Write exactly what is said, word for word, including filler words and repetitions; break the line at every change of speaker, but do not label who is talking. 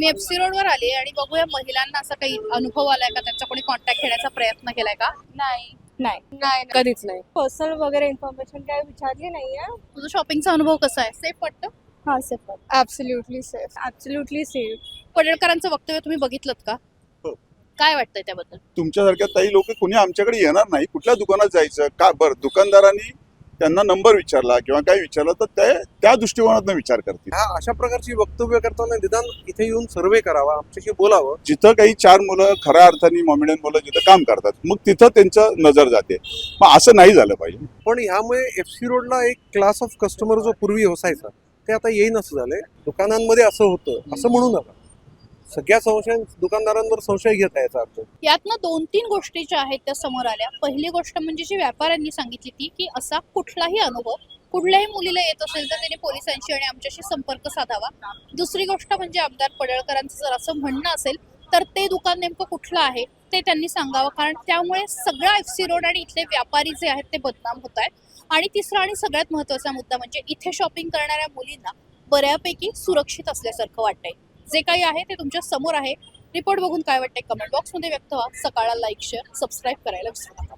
मी FC रोडवर आली आणि बघूया महिलांना असा काही अनुभव आलाय का, त्यांचा कोणी कॉन्टॅक्ट घेण्याचा प्रयत्न केलाय का?
नाही
नाही
नाही कधीच नाही.
पर्सनल वगैरे इन्फॉर्मेशन काय विचारली नाहीये.
तुझा शॉपिंगचा अनुभव कसा आहे? सेफ वाटतं?
हा safe
absolutely safe.
Absolutely safe.
पडळकरांचं वक्तव्य तुम्ही बघितलं का?
हो.
काय वाटतंय त्याबद्दल?
तुमच्यासारख्या ताई लोक कोणी आमच्याकडे येणार नाही. कुठल्या दुकानात जायचं का? बरं, दुकानदारांनी त्यांना नंबर विचारला किंवा काय विचारलं तर ते त्या दृष्टिकोनातून विचार करतील.
ह्या अशा प्रकारची वक्तव्य करताना निदान इथे येऊन सर्वे करावा, आमच्याशी बोलावं.
जिथं काही चार मुलं खऱ्या अर्थाने मॉमेडियन मुलं जिथं काम करतात मग तिथं त्यांचं नजर जाते. मग असं नाही झालं पाहिजे.
पण ह्यामुळे एफसी रोडला एक क्लास ऑफ कस्टमर जो पूर्वी असायचा ते आता येईन असं झालंय. दुकानांमध्ये असं होतं असं म्हणू नका. सगळ्या संशय दुकानदारांवर संशय घेत आहे याचा अर्थ.
यातनं दोन तीन गोष्टी ज्या आहेत त्या समोर आल्या. पहिली गोष्ट म्हणजे जी व्यापाऱ्यांनी सांगितली ती की असा कुठलाही अनुभव कुठल्याही मुलीला येत असेल तर त्याने पोलिसांशी आणि आमच्याशी संपर्क साधावा. दुसरी गोष्ट म्हणजे आमदार पडळकरांचं जर असं म्हणणं असेल तर ते दुकान नेमकं कुठलं आहे ते त्यांनी सांगावं, कारण त्यामुळे सगळा एफसी रोड आणि इथले व्यापारी जे आहेत ते बदनाम होत आहेत. आणि तिसरा आणि सगळ्यात महत्त्वाचा मुद्दा म्हणजे इथे शॉपिंग करणाऱ्या मुलींना बऱ्यापैकी सुरक्षित असल्यासारखं वाटतंय. जे काही आहे ते तुमच्या समोर आहे. रिपोर्ट बघून काय वाटतंय कमेंट बॉक्समध्ये व्यक्त व्हा. सकाळला लाईक शेअर सबस्क्राईब करायला विसरू नका.